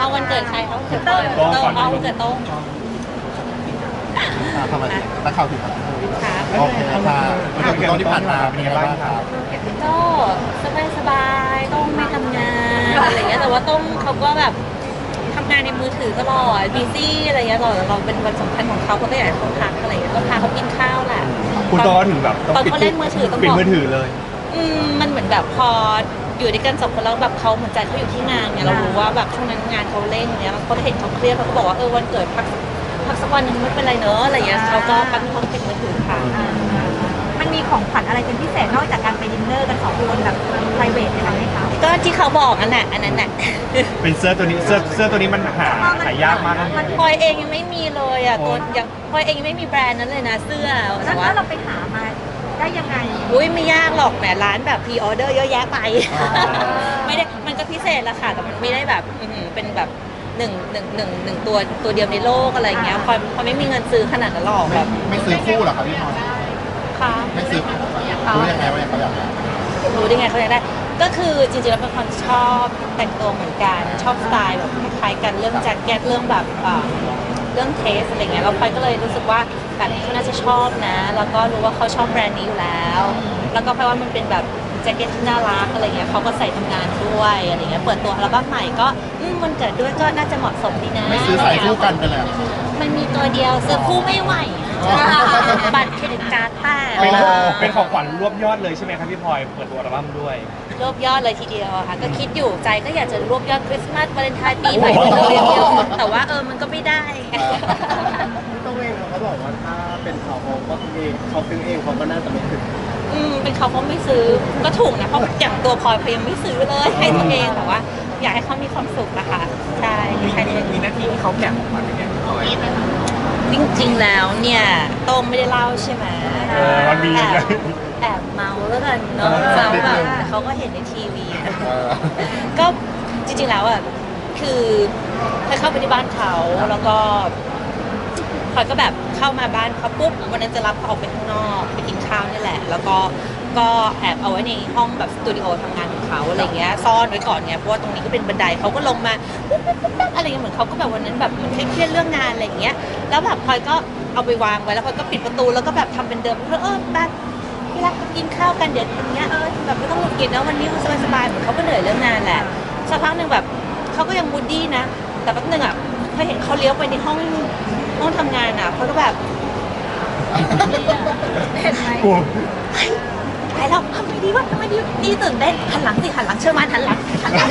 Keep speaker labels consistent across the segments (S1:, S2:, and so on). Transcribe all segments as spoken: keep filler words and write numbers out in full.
S1: เอาวันเกิดใครเขาวันเกิดโต้งโต้งเอาวันเกิดโต้ง
S2: ทำไมนักข่าวถึงครับ
S1: ค่ะ
S2: โอเคค่ะวันเกิดตอนที่ผ่านมาเป็นยังไงบ้างครับ
S1: ก็สบายสบายๆต้องไม่ทำงานอะไรเงี้ยแต่ว่าต้องเขาก็แบบทำงานในมือถือตลอดบีซี่อะไรเงี้ยตลอดเราเป็นวันสำคัญของเขาเขาก็อยากให้เขาพักอะไรเงี้ยก็พาเขากินข้าวแหละ
S3: คุณตอนถึงแบบต้อง
S1: ตอนเขาเล่นมือถือต้อง
S3: ปิด
S1: บอก
S3: มือถือเลย
S1: อืมมันเหมือนแบบพออยู่ด้วยกันสองคนแล้วแบบเขาเหมือนใจเขาอยู่ที่งานเนี่ยเรารู้ว่าแบบช่วงนั้นงานเขาเร่งเนี่ยเขาเห็นเขาเครียดเขาก็บอกว่าเออวันเกิดพักพักสักวันหนึงไม่เป็นไรเนอะอะไรอย่างเงี้ยเขาก็ปั้นห้องปิดมือถือค่ะ
S4: มันมีของขวัญอะไรเป็นพิเศษนอกจากการไปดินเนอร์กันสองคนแบบ private อะไรไหมคะ
S1: ก็ที่เขาบอกอันน่ะอันนั้นน่ะ
S3: เป็นเสื้อตัวนี้เสื้อเสื้อตัวนี้มันหาหายากมากนะ
S1: พลอยเองยังไม่มีเลยอ่ะตัวยังพลอยเองยังไม่มีแบรนด์นั้นเลยนะเสื้อ
S4: แล้
S1: แต่
S4: ว
S1: ว่า
S4: เราไปหามาได้ยังไง
S1: อุ้ยไม่ยากหรอกแหมร้านแบบพรีออเดอร์เยอะแยะไป ไม่ได้มันก็พิเศษละค่ะแต่มันไม่ได้แบบอื้อหือเป็นแบบหนึ่งหนึ่งหนึ่งหนึ่งตัวตัวเดียวในโลกอะไรอย่างเงี้ยพลอยพลอยไม่มีเงินซื้อขนาดนั้นหรอกแบบ
S2: ไม่ซื้อคู่เหรอครับพี่พร
S1: ค่ะ
S2: ไม่ซื้อรู้ยังไงว่าเขาอยากได้
S1: รู้ได้ไงเขาอยากได้ก็คือจริงๆแล้วเป็นคนชอบแต่งตัวเหมือนกันชอบสไตล์แบบคล้ายๆกันเรื่องแจ็คเก็ตเรื่องแบบอ่าเรื่องเทสอะไรเงี้ยเราไปก็เลยรู้สึกว่าแบบนี้เขาน่าจะชอบนะ แล้วก็รู้ว่าเขาชอบแบรนด์นี้อยู่แล้ว แล้วก็เพราะว่ามันเป็นแบบแจ็คเก็ตที่น่ารักอะไรเงี้ยเขาก็ใส่ทำงานด้วยอะไรเงี้ยเปิดตัวอัลบั้มใหม่ก็อืมมันเกิดด้วยก็น่าจะเหมาะสมดีนะ
S2: ไม่ซื้อใส่คู่กันไปเลย
S1: มันมีตัวเดียวซื้อคู่ไม่ไหวบัตรเครดิตการ์ดแตก
S3: เป็นเป็นของขวัญรวบยอดเลยใช่ไหมครับพี่พลอยเปิดตัวอัลบั้มด้วย
S1: รวบยอดเลยทีเดียวอะค่ะก็คิดอยู่ใจก็อยากจะรวบยอดคริสต์มาสวาเลนไทน์ปีใหม่ไปเลยเดียวแต่ว่าเออมันก็ไม่ได้ไง
S5: ต้องเองเขาบอกว่าถ้าเป็นเขาเขาก็เองเขาซื้อเองเขาก็น่าจะไม่ถึง
S1: อืมเป็นเขาเขาไม่ซื้อก็ถูกนะเพราะอย่างตัวพลอยพลอยยังไม่ซื้อเลยให้ตัวเองแต่ว่า อยากให้เขามีความสุขนะคะใช่แค่นี้
S5: มีหน้าที่ที่เขาแกะออกมาเป็นยังไงพี่พลอย
S1: จริงๆแล้วเนี่ยโต้งไม่ได้เล่าใช่ไหม
S3: เออมันมี
S1: แอบแอบเมาแล้วกันเนาะเมาแบบเขาก็เห็นในทีวี
S2: เออ
S1: ก็จริงๆแล้วอ่ะคือเคยเข้าไปที่บ้านเขาแล้วก็พลอยก็แบบเข้ามาบ้านเขาปุ๊บวันนั้นจะรับเขาออกไปข้างนอกไปกินข้าวนี่แหละ แล้วก็ก็แอบเอาไว้ในห้องแบบสตูดิโอทำงานของเขาอะไรเงี้ยซ่อนไว้ก่อนไงเพราะว่าตรงนี้ก็เป็นบันไดเขาก็ลงมาปุ๊บปุ๊บปุ๊บปุ๊บอะไรเงี้ยเหมือนเขาก็แบบวันนั้นแบบเหมือนเครียดๆเรื่องงานอะไรเงี้ยแล้วแบบพลอยก็เอาไปวางไว้แล้วพลอยก็ปิดประตูแล้วก็แบบทำเป็นเดิมเพื่อเออแบบเวลากินข้าวกันเดี๋ยวอย่างเงี้ยเออแบบไม่ต้องหงุดหงิดนะวันนี้สบายๆเหมือนเขาก็เหนื่อยเรื่องงานแหละสักพักหนึ่งแบบเขาก็ยังมูดดี้นะแต่แป๊บนึงอ่ะพอเห็นเขาเลี้ยวไปในห้องห้องทำงานอ่ะเขาก็แบบ
S4: เห็นไหม
S3: กลัว
S1: ไปแล้วทำไมดีวะทำไมดีนี่ตื่นเต้นหันหลังสิหันหลังเชื่อมันหันหลังหันหลัง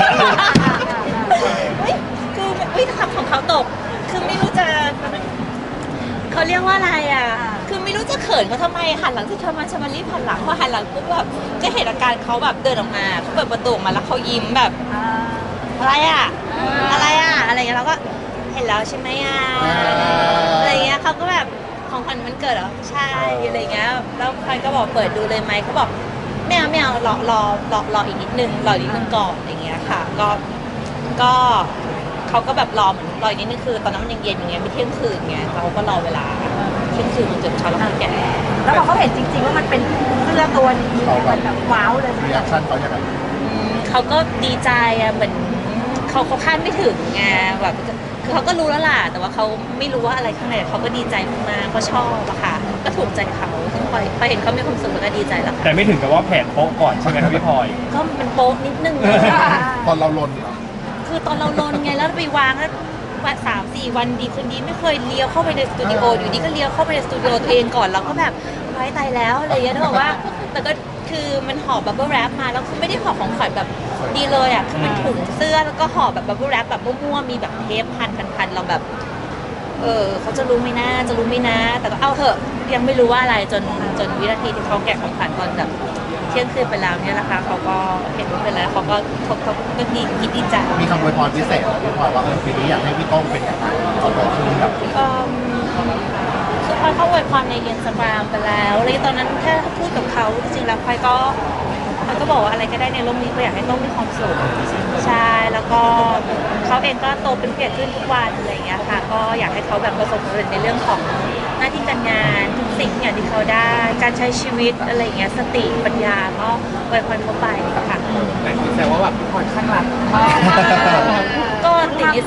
S1: เฮ้ยคือเฮ้ยคำของเขาตก คือไม่รู้จะเขาเรียกว่าอะไรอ่ะ คือไม่รู้จะเขินเขาทำไมหันหลังสิเชื่อมันเชื่อมันรีบหันหลังพอหันหลังปุ๊บแบบก็เห็นอาการเขาแบบเดินออกมาเขาเปิดประตูออกมาแล้วเขายิ้มแบบ อะไรอ่ะ อะไรอ่ะ อะไรเงี้ยเราก็เห็นแล้วใช่ไหมอ่ะ อะไรเงี้ยเขาก็แบบของขวัญมันเกิดเหรอ ใช่ อะไรเงี้ย แล้วพลอยก็บอกเปิดดูเลยไหมเขาบอกไม่เอาไม่เอารอรอรอรออีกนิดนึงรออีกนิดนึงก่อนอะไรเงี้ยค่ะ ก็ ก็เขาก็แบบรอเหมือนรออีกนิดนึงคือ ตอนนั้นมันยังเย็นอย่างเงี้ยไม่เที่ยงคืนไงเราก็รอเวลาเที่ยงคืนมันจนเช้าแล้วมันแก่
S4: แล้วพอเขาเห็นจริงๆว่ามันเป็นเสื้อตัวนี้มันแบบว้าวเลย
S2: รีแอคชั่นเขาอย่างไร
S1: อืมเขาก็ดีใจอะเหมือนเขาเขาคาดไม่ถึงไงแบบคือเขาก็รู้แล้วล่ะแต่ว่าเขาไม่รู้ว่าอะไรข้างในแต่เขาก็ดีใจมากๆเขาชอบอะค่ะก็ถูกใจเขาซึ่งพอพอเห็นเขามีความสุขแล้วก็ดีใจแล้วค่ะ
S3: แต่ไม่ถึงกับว่าแผนโป๊ะก่อนใช่ไหมครับพี่พลอย
S1: ก็มันโป๊ะนิดนึงเลย
S2: ตอนเราลนเหรอ
S1: คือตอนเราลนไงแล้วไปวางแล้ววันสามสี่วันดีคืนดีไม่เคยเลี้ยวเข้าไปในสตูดิโออยู่ดีก็เลี้ยวเข้าไปในสตูดิโอตัวเองก่อนแล้วก็แบบไว้ตายแล้วอะไรอย่างเงี้ยนึกออกว่าแต่ก็คือมันห่อบับเบิ้ลแรปมาแล้วคือไม่ได้ห่อของขวัญแบบดีเลยอ่ะคือเป็นถุงเสื้อแล้วก็ห่อแบบบับเบิ้ลแรปแบบมั่วๆมีแบบเทปพันพันพันเราแบบเออเขาจะรู้ไหมนะจะรู้ไหมนะแต่ก็เอาเถอะยังไม่รู้ว่าอะไรจนจนวินาทีที่เขาแกะของขวัญตอนแบบเที่ยงคืนไปแล้วเนี่ยนะคะเขาก็เห็นว่าเป็นแล้วเขาก็เขาเขาก็ดีคิดดีใจ
S2: มีคำอวยพรพิเศษเหรอพี่พลอยว่าเออปีนี้อยากให้พี่โต้งเป็นอย่างไรเอาไปคืนแบบ
S1: เอิ่มคือพลอยเขาอวยพรในอินสตาแกรมไปแล้วเลยตอนนั้นแค่พูดกับเขาจริงๆแล้วพลอยก็พลอยก็บอกว่าอะไรก็ได้ในโลกนี้ก็อยากให้ต้องมีความสุขใช่แล้วก็เขาเองก็โตเป็นเกียรติขึ้นทุกวันอะไรอย่างเงี้ยค่ะก็อยากให้เขาแบบประสบความสำเร็จในเรื่องของหน้าที่การงานทุกสิ่งอย่างที่เขาได้การใช้ชีวิตอะไรอย่างเงี้ยสติปัญญาก็อวยพรเขาไปค่ะ
S5: แต่แต่ว่าแบบพี่พลอยข้างหลัง
S1: ก็ติด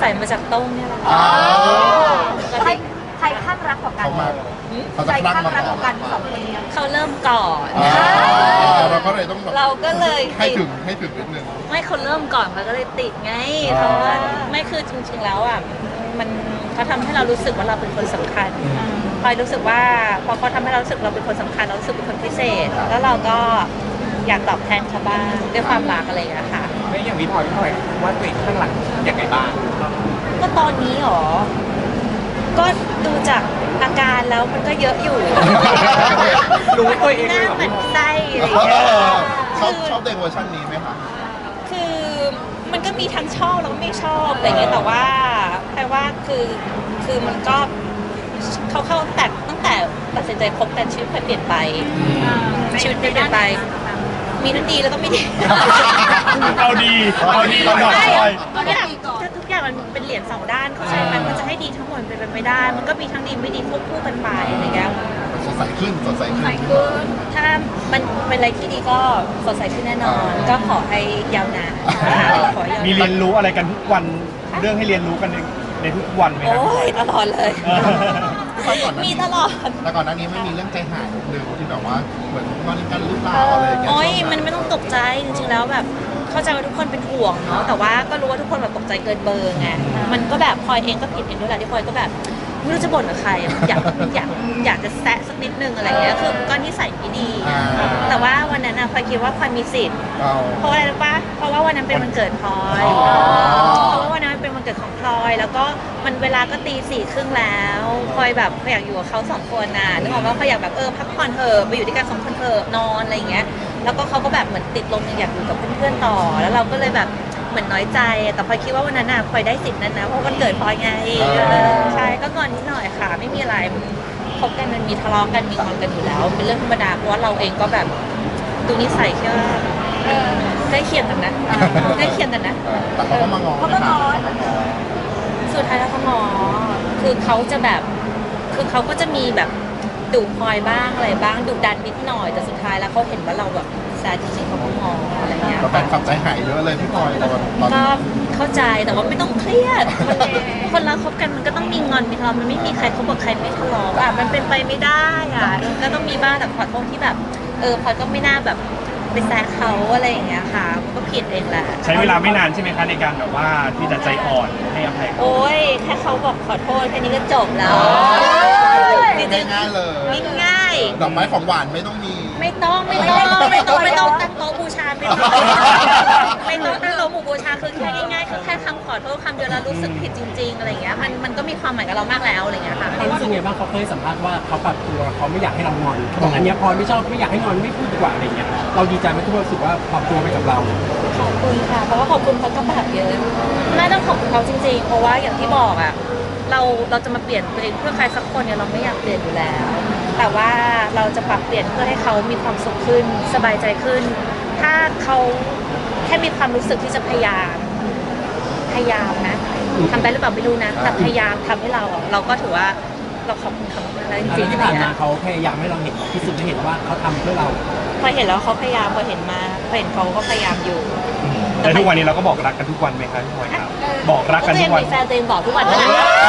S1: สัยมาจากโต้งเนี่ยแหละ
S2: อ๋อ
S1: ก็
S4: ใคร
S1: ที่
S4: ใครข้างรักกว่ากัน
S2: เขามาเขา
S4: ใค
S2: จะ
S4: ร
S2: คลั่ง
S4: ข้าง
S2: มา
S4: รักก
S2: ก่อ
S4: ว่าน กันสองคนนี้
S1: เขาเริ่มก่อน
S2: อ่าเราก็เลยต้องแบบ
S1: เราก็เลย
S2: ให้
S1: ติด
S2: ถึงให้ถึงนิดนึง
S1: ไม่เขาเริ่มก่อนเขาก็เลยติดไง
S2: อ่า
S1: เพราะว่าไม่คือจริงๆแล้วอ่ะมันเขาทำให้เรารู้สึกว่าเราเป็นคนสำคัญพลอยรู้สึกว่าพอเขาทำให้เรารู้สึกเราเป็นคนสำคัญเรารู้สึกเป็นคนพิเศษ แล้วเราก็อยากตอบแทนเขาบ้างด้วยความรักอะไรอย่างเงี้ยค่ะ
S3: ไม่อย่างพี่พลอยพี่พลอยว่าตัวเองข้างหลังอย่างไรบ้าง
S1: ก็ตอนนี้หรอ ก็ดูจากอาการแล้วมันก็เยอะอยู่
S3: รู้ตัวเอง
S1: ห
S3: เล
S1: น้าย
S3: เหรอ
S1: เหมือนไส้อะไรอ
S2: เอย่าง
S1: เงี้ย
S2: อชอบ
S1: คือ
S2: ชอบในเวอร์ชันนี้ไหมคะ
S1: คือมันก็มีทั้งชอบแล้วก็ไม่ชอบอะไรเงี้ยแต่ว่าแปลว่าคือคือมันก็เขาเข้าแต่ตั้งแต่ตัดสินใจคบกันชีวิตเปลี่ยนไปชีวิตเปลี่ยนไป มีทั้งดีแล้วก็ไม่ดี
S3: เอาดีเอาดีเอาหน่อย
S1: ใช่
S3: พลอย
S1: ทุกอย่างทุกอย่างมันเป็นเหรียญสองด้านเข้าใจไหมมันจะให้ดีทั้งหมดเป็นไปไม่ได้ มันก็มีทั้งดีไม่ดีควบคู่กันไปอะไรเงี้ย
S2: สดใสขึ้นสดใสขึ้น
S1: ถ้ามันเป็นอะไรที่ดีก็สดใสขึ้นแน่นอน ก็ขอให้ยาวนานขอให้ยาว
S3: มี
S1: นาน
S3: เรียนรู้อะไรกันทุกวันเรื่องให้เรียนรู้กันในในทุกวันไหมครับ
S1: โอ้ยตลอดเลย
S3: เออ
S2: แต่ก่อนหน้า
S1: มี
S2: นี้
S1: ตลอด
S2: แต่ก่อนหน้านี้ไม่มีเรื่องใจหายหนึ่งที่แบบว่าเหมือนงอนกันหรือเปล่าอะไรอย่างเงี้ย
S1: โอ้ย
S2: ช่วง
S1: มันไม่ต้องตกใจจริงๆแล้วแบบเข้าใจว่าทุกคนเป็นห่วงเนาะแต่ว่าก็รู้ว่าทุกคนแบบตกใจเกินเบอร์ไงมันก็แบบพลอยเองก็ผิดเองด้วยแหละที่พลอยก็แบบไม่รู้จะบ่นกับใครอะอยากอยากอยากจะแซะสักนิดนึงอะไรเงี้ยคือก็นิสัยไม่ดี
S2: อ่า
S1: แต่ว่าวันนั้นอะพลอยคิดว่าพลอยมีสิทธิ์
S2: เอา
S1: เพราะอะไรรู้ปะเพราะว่าวันนั้นเป็นวันเกิดพลอย
S2: อ๋อ
S1: เพราะว่าวันนั้นมันเป็นวันเกิดของพลอย แล้วก็มันเวลาก็ตีสี่ครึ่งแล้วพลอยแบบพลอยอยากอยู่กับเขาสองคนน่ะนึกออกว่าพลอยอยากแบบเออพักผ่อนเถอะไปอยู่ด้วยกันสองคนเถอะนอนอะไรอย่างเงี้ย แล้วก็เขาก็แบบเหมือนติดลมอยากอยู่กับเพื่อนๆต่อ แล้วเราก็เลยแบบเหมือนน้อยใจแต่พลอยคิดว่าวันนั้นน่ะพลอยได้สิทธิ์นั้นนะเพราะวันเกิดพลอยไงเออใช่ก็งอนนิดหน่อยค่ะ ไม่มีอะไรมันคบกันมันมีทะเลาะกันมีงอนกันอยู่แล้ว เป็นเรื่องธรรมดาเพราะว่าเราเองก็แบบดูนิสัยแค่ว่าใกล้เคียงกันนะใกล้เคียงกันนะ
S2: เออแต่เขาก็มางอ
S4: เขาก็งอน
S1: สุดท้ายแล้วเขางอคือเขาจะแบบ คือเขาก็จะมีแบบดุพลอยบ้างอะไรบ้างดุดันนิดหน่อย แต่สุดท้ายแล้วเขาเห็นว่าเราแบบแซดจริงๆเขาก็งออะไรเงี้ย
S2: ก็แฟนขับใจหายเยอะเลยพี่พลอยตอนตอน
S1: ก็เข้าใจแต่ว่าไม่ต้องเครียดมันคนเราคบกันมันก็ต้องมีงอนมีทะเลาะมันไม่มีใครคบกับใครไม่ทะเลาะอ่ะมันเป็นไปไม่ได้อ่ะก็ต้องมีบ้างแต่ขอโทษที่แบบ เออพลอยก็ไม่น่าแบบไปแซะเขาอะไรอย่างเงี้ยค่ะมันก็ผิดเองแหละ
S3: ใช้เวลาไม่นานใช่ไหมคะในการแบบว่าที่จะใจอ่อนให้อภัยเขา
S1: โอ้ยแค่เขาบอกขอโทษแค่นี้ก็จบแล้วจริง
S2: ง่ายๆเลย
S1: ๆง่าย
S2: ดอกไม้ของหวานไม่ต้องมี
S1: ๆไม่ต้องไม่ต้องไม่ต้องไม่ต้องตั้งโต๊ะบูชาไม่ต้องไม่ต้องตั้งโต๊ะหมู่บูชาคือแค่ง่ายๆคือแค่คำขอโทษคำเดียวแล้วรู้สึกผิดจริง ๆอะไรอย่างเงี้ยมันมันก็มีความหมายกับเรามากแล้วอะไรอย่างเงี้ยค่ะ
S6: เขารู้สึกไงบ้างเขาเคยสัมภาษณ์ว่าเขาปรับตัวเขาไม่อยากให้เรางอนเขาบอกอันเนี้ยพอไม่ชอบไม่อยากให้งอนไม่พูดดีกว่าอะไรเงี้ยเราดีใจไหมที่เรารู้สึกว่าปรับตัวไปกับเรา
S1: ขอบคุณค่ะเพราะว่าขอบคุณเขาก็แบบเยอะน่าต้องขอบคุณเขาจริง ๆ เพราะว่าอย่างที่บอกอ่ะเราเราจะมาเปลี่ยนตัวเองเพื่อใครสักคนเนี่ยเราไม่อยากเปลี่ยนอยู่แล้ว แต่ว่าเราจะปรับเปลี่ยนเพื่อให้เขามีความสุขขึ้นสบายใจขึ้น ถ้าเขาแค่มีความรู้สึกที่จะพยายามพยายามนะทำได้หรือเปล่าไม่รู้นะแต่พยายามทำให้เราอะเราก็ถือว่าเราขอบคุณเขามากแล้วจริงๆ
S6: ที่ผ่านมาเขาพยายามให้เราเห็นพิสูจน์ให้เห็นว่าเขาทำเพื่อเรา
S1: พอเห็นแล้วเขาพยายามพอเห็นมาพอเห็นเขาก็พยายามอยู่
S3: แต่ทุกวันนี้เราก็บอกรักกันทุกวันไหมคะพี่พลอยครับบอกรักกัน
S1: ก็
S3: ทุ
S1: ยั
S3: ก
S1: ง
S3: วัน
S1: มีแฟนตัวเองบอกทุกวันนะ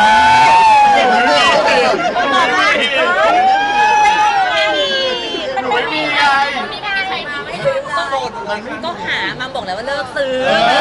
S1: ไม่มี
S2: หนูไม่มีไง
S1: ก็หามาบอกแล้วว่าเลิกซื้อ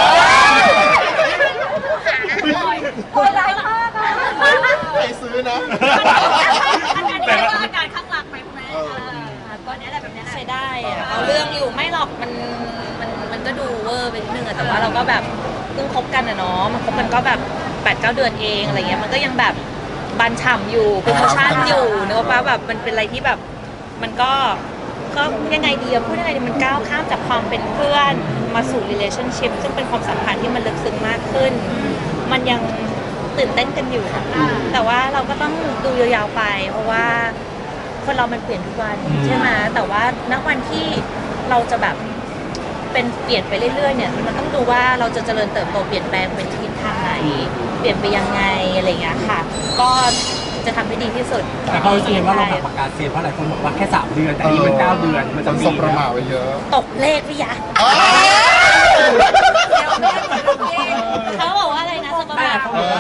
S4: โหดร้ายมากอะ
S2: ใครซื้อนะ
S4: อันนี้เรียกว่าอาการข้างรักไหมคุณแม่
S2: เออ
S4: ก็เนี้ยแหละแบบเนี้ยแหละ
S1: ใช้ได้อะเอาเรื่องอยู่ไม่หรอกมันมันมันก็ดูเวอร์ไปนิดนึงอะแต่ว่าเราก็แบบเพิ่งคบกันอะเนาะมันคบกันก็แบบแปดเก้าเดือนเองอะไรเงี้ยมันก็ยังแบบบันฉ่ำอยู่โปรโมชั่นอยู่เนอะป้าแบบมันเป็นอะไรที่แบบมันก็ก็ยังไงดีอะพูดยังไงดีมันก้าวข้ามจากความเป็นเพื่อนมาสู่ relationship ซึ่งเป็นความสัมพันธ์ที่มันลึกซึ้งมากขึ้น มันยังตื่นเต้นกันอยู่อะแต่ว่าเราก็ต้องดูยาวๆไป เพราะว่าคนเรามันเปลี่ยนทุกวันใช่ไหมแต่ว่าณวันที่เราจะแบบเป็นเปลี่ยนไปเรื่อยๆเนี่ยมันต้องดูว่าเราจะเจริญเติบโตเปลี่ยนแปลงเป็นทิศทางไหนเปลี่ยนไปยังไงอะไรอย่างเงี้ยค่ะ ก็จะทำให้ดีที่สุด
S6: แต่เขารู้สึกไงว่าเราแบบประกาศเซียนเพราะหลายคนบอกว่าแค่สามเดือนแต่นี่มันเก้าเดือนมัน
S2: ค
S6: จะ
S2: น
S6: มี
S2: สบประมาทไว้เยอะ
S1: ตกเลขพี่ยะ
S2: อ้าว
S1: เขาบอกว่าอะไรนะสมบัติ
S6: เขาบอกว่า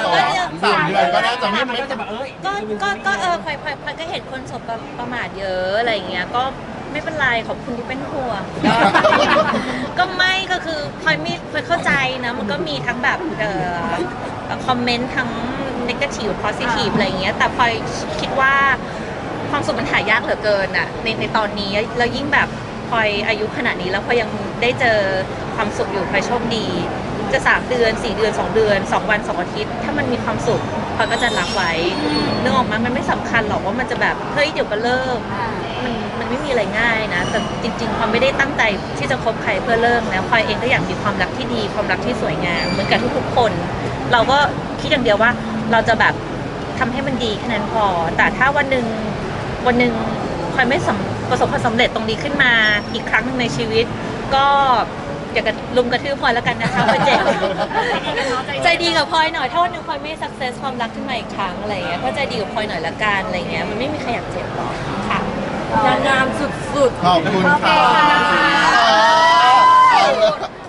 S2: ก็น่าจะไม่
S6: มัน
S2: ไม่
S6: ก็จะแบบเอ้ย
S1: ก็ก็ก็เออพลอยพลอยพลอยก็เห็นคนสบประประมาทเยอะอะไรอย่างเงี้ยก็ไม่เป็นไรขอบคุณที่เป็นห่วง ก็ไม่ก็คือพลอยมีพลอยเข้าใจนะมันก็มีทั้งแบบเอ่อคอมเมนต์ทั้ง negative positive อะไรอย่างเงี้ยแต่พลอยคิดว่าความสุขมันหายากเหลือเกินอะในในตอนนี้แล้วยิ่งแบบพลอยอายุขนาดนี้แล้วพลอยยังได้เจอความสุขอยู่พลอยโชคดี จะสามเดือนสี่เดือนสองเดือนสองวันสองอาทิตย์ถ้ามันมีความสุขพลอยก็จะรับไว้นึกออกมามันไม่สำคัญหรอกว่ามันจะแบบเฮ้ยเดี๋ยวก็เลิกมันมันไม่มีอะไรง่ายนะแต่จริงๆพลอยไม่ได้ตั้งใจที่จะคบใครเพื่อเลิกนะพลอยเองก็อยากมีความรักที่ดีความรักที่สวยงามเหมือนกับทุกๆคน เราก็คิดอย่างเดียวว่าเราจะแบบทำให้มันดีแค่นั้นพอ แต่ถ้าวันหนึ่งวันหนึ่งพลอยไม่สำประสบความสำเร็จตรงนี้ขึ้นมาอีกครั้งหนึ่งในชีวิต ก็อย่ากระลุมกระทืบพลอยแล้วกันนะคะพลอยเจ็บใจดีกับพลอยหน่อยถ้าวันหนึ่งพลอยไม่ success ความรักขึ้นมาอีกครั้งอะไรเงี้ยก็ใจดีกับพลอยหน่อยละกันอะไรเงี้ยมันไม่มีใครอยากเจ็บหรอกค่ะ
S4: นางงามสุด
S2: ขอบคุณค่ะ
S4: โอเคค่ะ
S2: เอาเลย